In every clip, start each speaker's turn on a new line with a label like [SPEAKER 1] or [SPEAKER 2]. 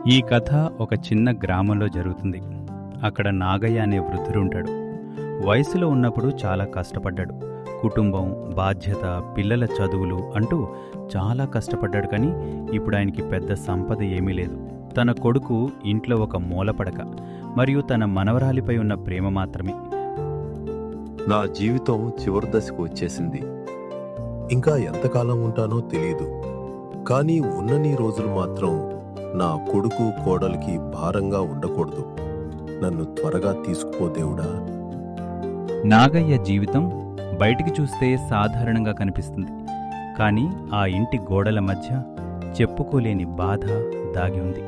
[SPEAKER 1] ఈ కథ ఒక చిన్న గ్రామంలో జరుగుతుంది. అక్కడ నాగయ్య అనే వృద్ధుడుంటాడు. వయసులో ఉన్నప్పుడు చాలా కష్టపడ్డాడు. కుటుంబం, బాధ్యత, పిల్లల చదువులు అంటూ చాలా కష్టపడ్డాడు. కానీ ఇప్పుడు ఆయనకి పెద్ద సంపద ఏమీ లేదు. తన కొడుకు ఇంట్లో ఒక మూలపడక, మరియు తన మనవరాలిపై ఉన్న ప్రేమ మాత్రమే.
[SPEAKER 2] నా జీవితం చివరి దశకు వచ్చేసింది. ఇంకా ఎంతకాలం ఉంటానో తెలియదు. కానీ ఉన్నన్ని రోజులు మాత్రం నా కొడుకు కోడలికి భారంగా ఉండకూడదు. నన్ను త్వరగా తీసుకుపో దేవుడా.
[SPEAKER 1] నాగయ్య జీవితం బయటికి చూస్తే సాధారణంగా కనిపిస్తుంది. కానీ ఆ ఇంటి గోడల మధ్య చెప్పుకోలేని బాధ దాగి ఉంది.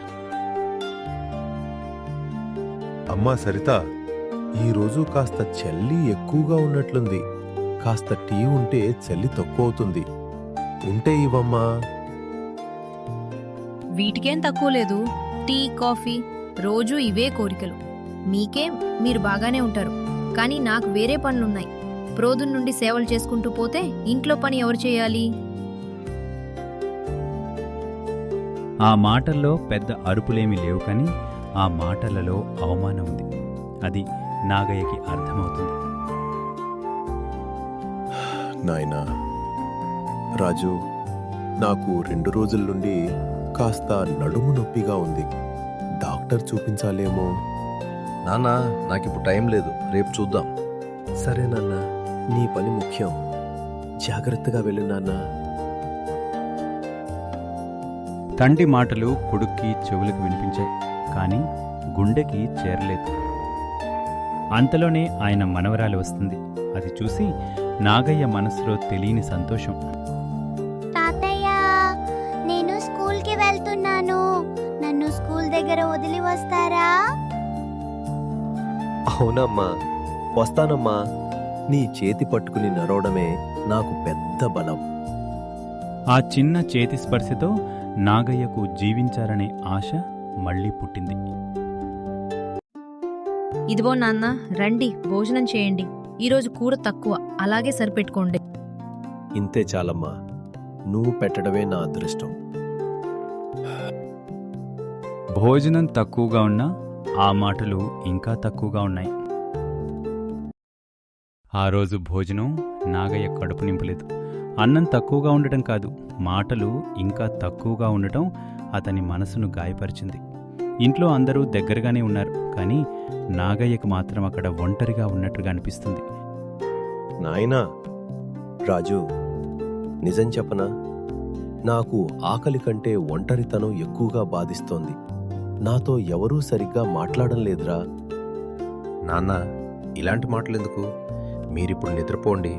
[SPEAKER 2] అమ్మా సరిత, ఈరోజు కాస్త చలి ఎక్కువగా ఉన్నట్లుంది. కాస్త టీ ఉంటే చలి తక్కువ అవుతుంది. ఉంటే ఇవ్వమ్మా.
[SPEAKER 3] వీటికేం తక్కువ లేదు. టీ, కాఫీ, రోజూ ఇవే కోరికలు. మీకేం, మీరు బాగానే ఉంటారు. కానీ నాకు వేరే పనులున్నాయి. ప్రోదున్ నుండి సేవలు చేసుకుంటూ పోతే ఇంట్లో పని ఎవరు చేయాలి?
[SPEAKER 1] ఆ మాటల్లో పెద్ద అరుపులేమీ లేవు, కానీ ఆ మాటలలో అవమానం ఉంది. అది నాగయ్యకి అర్థమవుతుంది.
[SPEAKER 2] నాయనా రాజు, నాకు 2 రోజుల నుండి కాస్త నడుము నొప్పిగా ఉంది. డాక్టర్ చూపించాలేమో.
[SPEAKER 4] నాన్నా, నాకిప్పుడు టైం లేదు, రేపు చూద్దాం.
[SPEAKER 2] సరే నాన్న, నీ పని ముఖ్యం. జాగ్రత్తగా వెళ్ళు నాన్న.
[SPEAKER 1] తండ్రి మాటలు కొడుక్కి చెవులకు వినిపించాయి, కానీ గుండెకి చేరలేదు. అంతలోనే ఆయన మనవరాలు వస్తుంది. అది చూసి నాగయ్య మనసులో తెలియని సంతోషం.
[SPEAKER 5] తాతయ్య, నేను స్కూల్కి వెళ్తున్నాను. నన్ను స్కూల్ దగ్గర వదిలి వస్తారా?
[SPEAKER 4] అవునమ్మా, వస్తానమ్మా. నీ చేతి పట్టుకుని నడవడమే నాకు పెద్ద బలం.
[SPEAKER 1] ఆ చిన్న చేతి స్పర్శతో నాగయ్యకు జీవించాలనే ఆశ మళ్లీ పుట్టింది.
[SPEAKER 3] ఇదిగో నాన్న, రండి భోజనం చేయండి. ఈరోజు కూర తక్కువ, అలాగే సరిపెట్టుకోండి.
[SPEAKER 4] ఇంతే చాలమ్మా. నువ్వు పెట్టడమే నా అదృష్టం.
[SPEAKER 1] భోజనం తక్కువగా ఉన్నా ఆ మాటలు ఇంకా తక్కువగా ఉన్నాయి. ఆ రోజు భోజనం నాగయ్య కడుపు నింపలేదు. అన్నం తక్కువగా ఉండటం కాదు, మాటలు ఇంకా తక్కువగా ఉండటం అతని మనసును గాయపరిచింది. ఇంట్లో అందరూ దగ్గరగానే ఉన్నారు, కానీ నాగయ్యకు మాత్రం అక్కడ ఒంటరిగా ఉన్నట్టుగా అనిపిస్తుంది.
[SPEAKER 4] నాయనా రాజు, నిజం చెప్పనా? నాకు ఆకలి కంటే ఒంటరితనం ఎక్కువగా బాధిస్తోంది. నాతో ఎవరూ సరిగ్గా మాట్లాడడం లేదురా. నాన్న, ఇలాంటి మాటలెందుకు? మీరిప్పుడు నిద్రపోండి.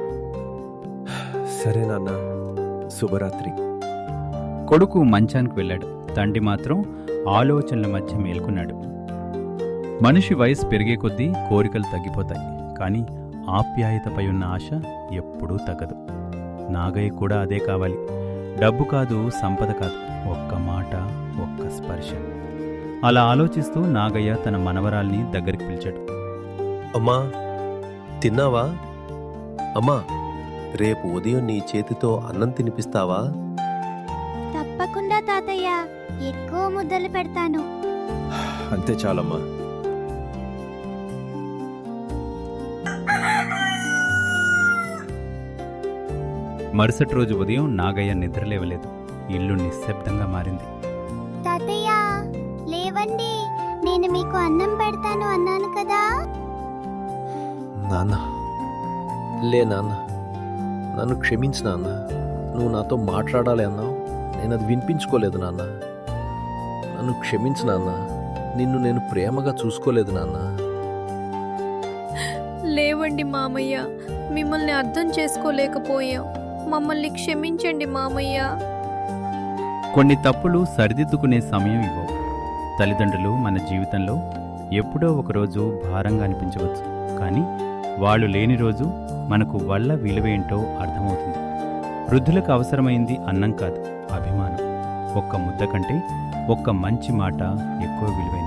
[SPEAKER 2] సరే నాన్న, శుభరాత్రి.
[SPEAKER 1] కొడుకు మంచానికి వెళ్ళాడు. తండ్రి మాత్రం ఆలోచనల మధ్య మేల్కొన్నాడు. మనిషి వయసు పెరిగే కొద్దీ కోరికలు తగ్గిపోతాయి, కానీ ఆప్యాయతపై ఉన్న ఆశ ఎప్పుడూ తగ్గదు. నాగయ్య కూడా అదే కావాలి. డబ్బు కాదు, సంపద కాదు, ఒక్క మాట, ఒక్క స్పర్శ. అలా ఆలోచిస్తూ నాగయ్య తన మనవరాల్ని దగ్గరికి పిలిచాడు.
[SPEAKER 4] అమ్మా, తిన్నావా? అమ్మా, రేపు ఉదయం నీ చేతితో అన్నం తినిపిస్తావా?
[SPEAKER 5] తప్పకుండా తాతయ్య, ఎక్కువ ముద్దలు పెడతాను.
[SPEAKER 4] అంతే చాలమ్మా.
[SPEAKER 1] మరుసటి రోజు ఉదయం నాగయ్య నిద్రలేవలేదు. ఇల్లు నిశ్శబ్దంగా మారింది.
[SPEAKER 5] తాతయ్య, లేవండి. నేను మీకు అన్నం పెడతాను అన్నాను కదా.
[SPEAKER 4] నాన్న, లే నాన్న, నన్ను క్షమించు నాన్న. నువ్వు నాతో మాట్లాడాలి అన్నావు, నేను అది వినిపించుకోలేదు నాన్న. నన్ను క్షమించు నాన్న. నిన్ను నేను ప్రేమగా చూసుకోలేదు నాన్న.
[SPEAKER 3] లేవండి మామయ్య, మిమ్మల్ని అర్థం చేసుకోలేకపోయాం. మమ్మల్ని క్షమించండి మామయ్య.
[SPEAKER 1] కొన్ని తప్పులు సరిదిద్దుకునే సమయం ఇవ్వవు. తల్లిదండ్రులు మన జీవితంలో ఎప్పుడో ఒకరోజు భారంగా అనిపించవచ్చు, కానీ వాళ్ళు లేని రోజు మనకు వాళ్ళ విలువేంటో అర్థమవుతుంది. వృద్ధులకు అవసరమైంది అన్నం కాదు, అభిమానం. ఒక్క ముద్ద కంటే ఒక్క మంచి మాట ఎక్కువ విలువైనది.